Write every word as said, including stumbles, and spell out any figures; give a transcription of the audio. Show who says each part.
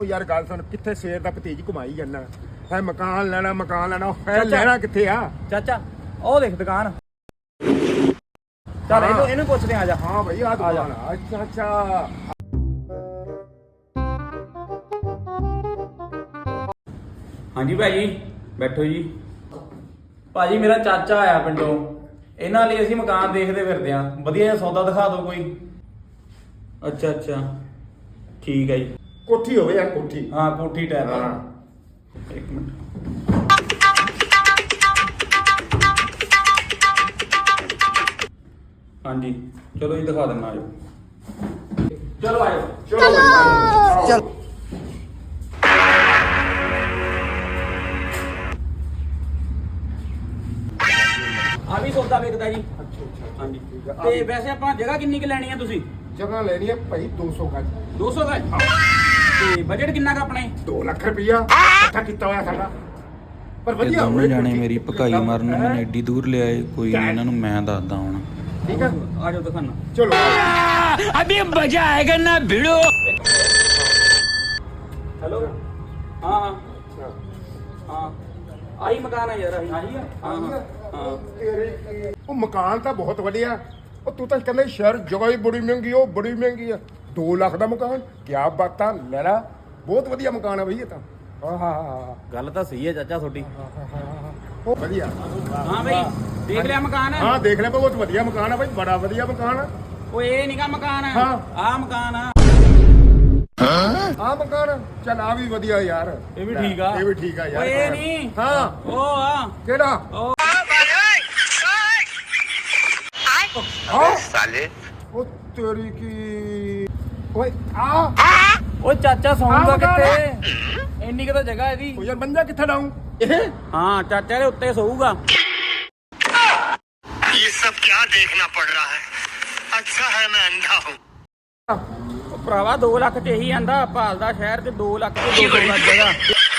Speaker 1: यार गल सुन किथे शेर दा भतीज घुमाई जाना है मकान लेना मकान लेना है लेना किथे आ
Speaker 2: चाचा ओ देख दुकान चल ਇਹਨੂੰ ਇਹਨੂੰ ਪੁੱਛਦੇ ਆ ਜਾ
Speaker 1: हां भाई आ दुकान अच्छा अच्छा
Speaker 2: ਹਾਂਜੀ ਭਾਜੀ ਬੈਠੋ ਜੀ ਭਾਜੀ ਮੇਰਾ ਚਾਚਾ ਆਇਆ ਪਿੰਡੋਂ ਇਹਨਾਂ ਲਈ ਅਸੀਂ ਮਕਾਨ ਦੇਖਦੇ ਫਿਰਦੇ ਆਂ ਵਧੀਆ ਜਿਹਾ ਸੌਦਾ ਦਿਖਾ ਦਿਓ ਕੋਈ ਅੱਛਾ ਅੱਛਾ ਠੀਕ ਹੈ ਜੀ
Speaker 1: कोठी होवे यार कोठी
Speaker 2: हाँ कोठी टाइप
Speaker 1: हाँ
Speaker 2: एक मिनट हाँ जी चलो ये दिखा देना आजो चलो आजो
Speaker 1: चलो चल
Speaker 2: आ भी सौदा बेचदा जी हाँ जी ते वैसे ਆਪਾਂ ਜਗ੍ਹਾ ਕਿੰਨੀ ਕੁ ਲੈਣੀ ਆ ਤੁਸੀਂ
Speaker 1: जगह लेनी है भाई दो सौ गज
Speaker 2: दो सौ गज ਤੇ ਬਜਟ ਕਿੰਨਾ ਕ ਆਪਣੇ
Speaker 1: दो लाख रुपया इकट्ठा किया हुआ साडा पर
Speaker 3: ਇਹ
Speaker 1: वधिया
Speaker 3: ਦੋਨੋਂ ਜਾਣੇ ਮੇਰੀ ਭਕਾਈ ਮਾਰਨ ਨੂੰ ਮੈਨੂੰ ਐਡੀ ਦੂਰ ਲਿਆਏ ਕੋਈ ਨਹੀਂ ਇਹਨਾਂ ਨੂੰ ਮੈਂ ਦੱਸਦਾ ਹੁਣ
Speaker 1: ठीक है
Speaker 2: ਆ ਜਾਓ ਦਿਖਾਣਾ
Speaker 1: चलो
Speaker 3: ਅਬੇ ਮਜ਼ਾ ਆਏਗਾ ਨਾ ਭਿੜੋ
Speaker 2: ਹੈਲੋ ਹਾਂ ਹਾਂ ਹਾਂ ਆਹੀ ਮਕਾਨ ਹੈ ਯਾਰ ਆਹੀ ਆਹੀ ਆ ਹਾਂ ਹਾਂ ਹਾਂ
Speaker 1: तेरे वो मकान तो बहुत बढ़िया ਉਹ ਤੂੰ ਤਾਂ ਕਹਿੰਦਾ ਸ਼ਹਿਰ ਜਗ੍ਹਾ ਹੀ ਬੜੀ ਮਹਿੰਗੀ ਉਹ ਬੜੀ ਮਹਿੰਗੀ ਆ दो ਲੱਖ ਦਾ ਮਕਾਨ ਕੀ ਬਾਤਾਂ ਲੈ ਲਾ ਬਹੁਤ ਵਧੀਆ ਮਕਾਨ ਆ ਬਈ ਇਹ ਤਾਂ ਹਾਂ ਹਾਂ ਹਾਂ
Speaker 2: ਗੱਲ ਤਾਂ ਸਹੀ ਹੈ ਚਾਚਾ ਤੁਹਾਡੀ
Speaker 1: ਉਹ ਵਧੀਆ
Speaker 2: ਹਾਂ ਬਈ ਦੇਖ ਲਿਆ ਮਕਾਨ
Speaker 1: ਹਾਂ ਦੇਖ ਲਿਆ ਬਹੁਤ ਵਧੀਆ ਮਕਾਨ ਆ ਬਈ ਬੜਾ ਵਧੀਆ ਮਕਾਨ ਆ
Speaker 2: ਓਏ ਇਹ ਨਹੀਂਗਾ ਮਕਾਨ
Speaker 1: ਹਾਂ।
Speaker 2: ਆਹ ਮਕਾਨ ਆ
Speaker 1: ਆ ਮਕਾਨ ਚੱਲ ਆ ਵੀ ਵਧੀਆ ਯਾਰ
Speaker 2: ਇਹ ਵੀ ਠੀਕ ਆ
Speaker 1: ਇਹ ਵੀ ਠੀਕ ਆ ਯਾਰ
Speaker 2: ਓਏ ਇਹ ਨਹੀਂ
Speaker 1: ਹਾਂ
Speaker 2: ਉਹ ਆ
Speaker 1: ਕਿਹੜਾ
Speaker 2: ਉਹ
Speaker 1: ਹਾਂ ਸਾਲੇ ਉਹ ਤੇਰੀ ਕੀ ਓਏ ਆ
Speaker 2: ਓਏ ਚਾਚਾ ਸੌਂਦਾ
Speaker 1: ਆਹ ਮਕਾਨ ਆ।
Speaker 2: ਕਿੱਥੇ ਇੰਨੀ ਕੁ ਤਾਂ ਜਗ੍ਹਾ ਇਹਦੀ
Speaker 1: ਉਹ ਯਾਰ ਬੰਦਾ ਕਿੱਥੇ ਲਾਉਂ ਇਹ
Speaker 2: ਹਾਂ ਚਾਚਾ ਦੇ ਉੱਤੇ ਸੌਊਗਾ
Speaker 4: ये सब क्या देखना पड़ रहा है अच्छा है मैं अंधा हूँ
Speaker 2: ਉਹ ਭਰਾਵਾ ਦੋ ਲੱਖ ਤੇ ਇਹੀ ਆਂਦਾ ਭਾਲਦਾ ਸ਼ਹਿਰ ਚ ਦੋ ਲੱਖ ਤੇ ਦੋ ਸੌ ਲੱਖ ਜਗ੍ਹਾ